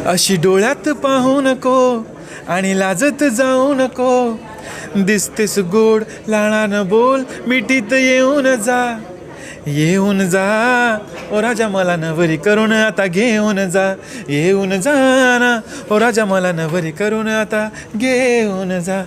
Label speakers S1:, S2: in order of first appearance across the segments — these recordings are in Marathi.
S1: अशी डोळ्यात पाहू नको आणि लाजत जाऊ नको, दिसतेस गोड लाळानं बोल, मिठीत येऊन जा, येऊन जा ओ राजा मला नवरी करून आता घेऊन जा, येऊन जा ना ओ राजा मला नवरी करून आता घेऊन जा.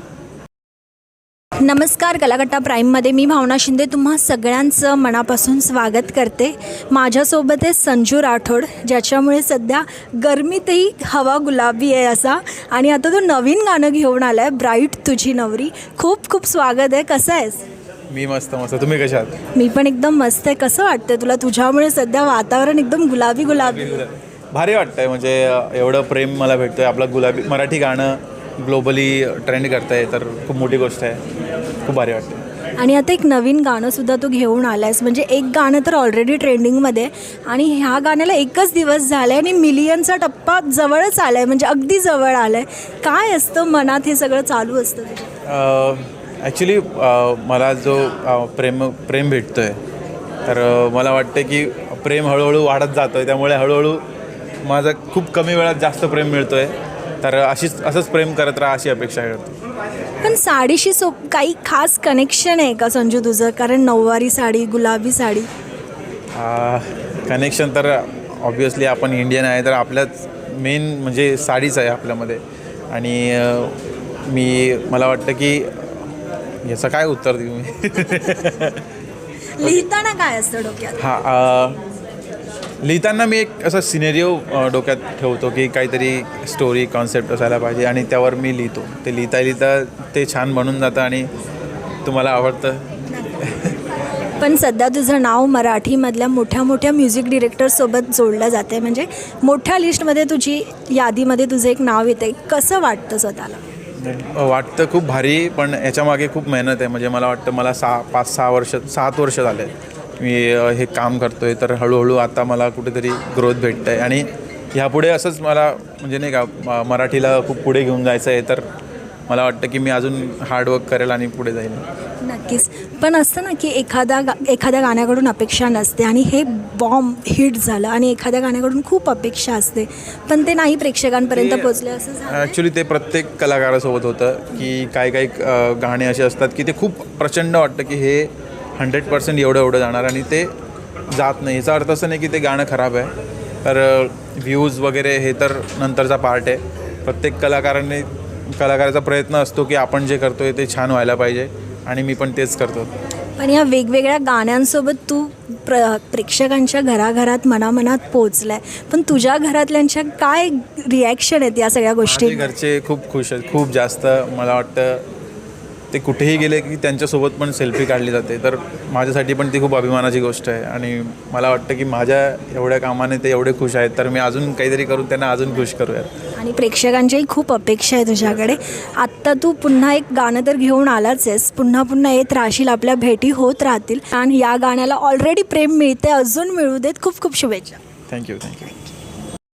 S2: नमस्कार, कलाकट्टा प्राईममध्ये मी भावना शिंदे तुम्हा सगळ्यांचं मनापासून स्वागत करते. माझ्यासोबत आहे संजू राठोड, ज्याच्यामुळे सध्या गरमीतही हवा गुलाबी आहे असा. आणि आता तो नवीन गाणं घेऊन आला आहे, ब्राईट तुझी नवरी. खूप खूप स्वागत आहे. कसं आहेस?
S1: मी मस्त मस्त. तुम्ही कशा आहात?
S2: मी पण एकदम मस्त आहे. कसं वाटतं तुला? तुझ्यामुळे सध्या वातावरण एकदम गुलाबी गुलाबी.
S1: भारी वाटतंय. म्हणजे एवढं प्रेम मला भेटतोय. आपलं गुलाबी मराठी गाणं ग्लोबली ट्रेंड करतंय, तर खूप मोठी गोष्ट आहे. खूप भारी वाटतं.
S2: आणि आता एक नवीन गाणंसुद्धा तू घेऊन आला आहेस. म्हणजे एक गाणं तर ऑलरेडी ट्रेंडिंगमध्ये आणि ह्या गाण्याला एकच दिवस झाला आहे आणि मिलियनचा टप्पा जवळच आला आहे, म्हणजे अगदी जवळ आला आहे. काय असतं मनात हे सगळं चालू असतं?
S1: ॲक्च्युली मला जो प्रेम भेटतो आहे, तर मला वाटतं की प्रेम हळूहळू वाढत जातं आहे. त्यामुळे हळूहळू माझं खूप कमी वेळात जास्त प्रेम मिळतो आहे. तर असंच प्रेम करत राहा अशी अपेक्षा करतो.
S2: पण साडीशी काही खास कनेक्शन आहे का संजू तुझं? कारण नऊवारी साडी, गुलाबी साडी.
S1: कनेक्शन तर ऑब्वियसली आपण इंडियन आहे, तर आपल्याच मेन म्हणजे साडीच आहे आपल्यामध्ये. आणि मला वाटतं की याचं काय उत्तर देऊ मी?
S2: लिहिताना काय असतं डोक्यात?
S1: लिहिताना मी एक असा सिनेरिओ डोक्यात ठेवतो की काहीतरी स्टोरी कॉन्सेप्ट असायला पाहिजे आणि त्यावर मी लिहितो. ते लिहिता ते छान बनून जातं आणि तुम्हाला आवडतं.
S2: पण सध्या तुझं नाव मराठीमधल्या मोठ्या मोठ्या म्युझिक डिरेक्टरसोबत जोडलं जातं आहे. म्हणजे मोठ्या लिस्टमध्ये तुझी यादीमध्ये तुझं एक नाव येतं आहे. कसं वाटतं स्वतःला?
S1: वाटतं खूप भारी, पण याच्यामागे खूप मेहनत आहे. म्हणजे मला वाटतं मला 7 वर्ष झाले मी हे काम करतो आहे. तर हळूहळू आता मला कुठेतरी ग्रोथ भेटतं आहे आणि ह्यापुढे असंच मला म्हणजे नाही का मराठीला खूप पुढे घेऊन जायचं आहे. तर मला वाटतं की मी अजून हार्डवर्क करेल आणि पुढे जाईल.
S2: नक्कीच. पण असतं ना की एखाद्या गाण्याकडून अपेक्षा नसते आणि हे बॉम्ब हिट झालं आणि एखाद्या गाण्याकडून खूप अपेक्षा असते, पण ते नाही प्रेक्षकांपर्यंत पोचले असं झालं.
S1: ॲक्च्युली ते प्रत्येक कलाकारासोबत होतं की काही गाणे असे असतात की ते खूप प्रचंड वाटतं की हे 100% एवढं जाणार आणि ते जात नाही. याचा अर्थ असं नाही की ते गाणं खराब आहे. तर व्ह्यूज वगैरे हे तर नंतरचा पार्ट आहे. प्रत्येक कलाकाराचा प्रयत्न असतो की आपण जे करतो आहे ते छान व्हायला पाहिजे आणि मी पण तेच करतो.
S2: पण या वेगवेगळ्या गाण्यांसोबत तू प्रेक्षकांच्या घराघरात मनामनात पोचला आहे. पण तुझ्या घरातल्यांच्या काय रिॲक्शन आहेत या सगळ्या गोष्टी?
S1: घरचे खूप खुश आहेत, खूप जास्त. मला वाटतं ते कुठेही गेले की त्यांच्यासोबत पण सेल्फी काढली जाते. तर माझ्यासाठी पण ती खूप अभिमानाची गोष्ट आहे आणि मला वाटतं की माझ्या एवढ्या कामाने ते एवढे खुश आहेत, तर मी अजून काहीतरी करून त्यांना अजून खुश करूयात.
S2: आणि प्रेक्षकांच्याही खूप अपेक्षा आहे तुझ्याकडे. आत्ता तू पुन्हा एक गाणं तर घेऊन आलाच आहेस, पुन्हा येत राहशील, आपल्या भेटी होत राहतील आणि या गाण्याला ऑलरेडी प्रेम मिळते, अजून मिळू देत. खूप खूप शुभेच्छा.
S1: थँक्यू.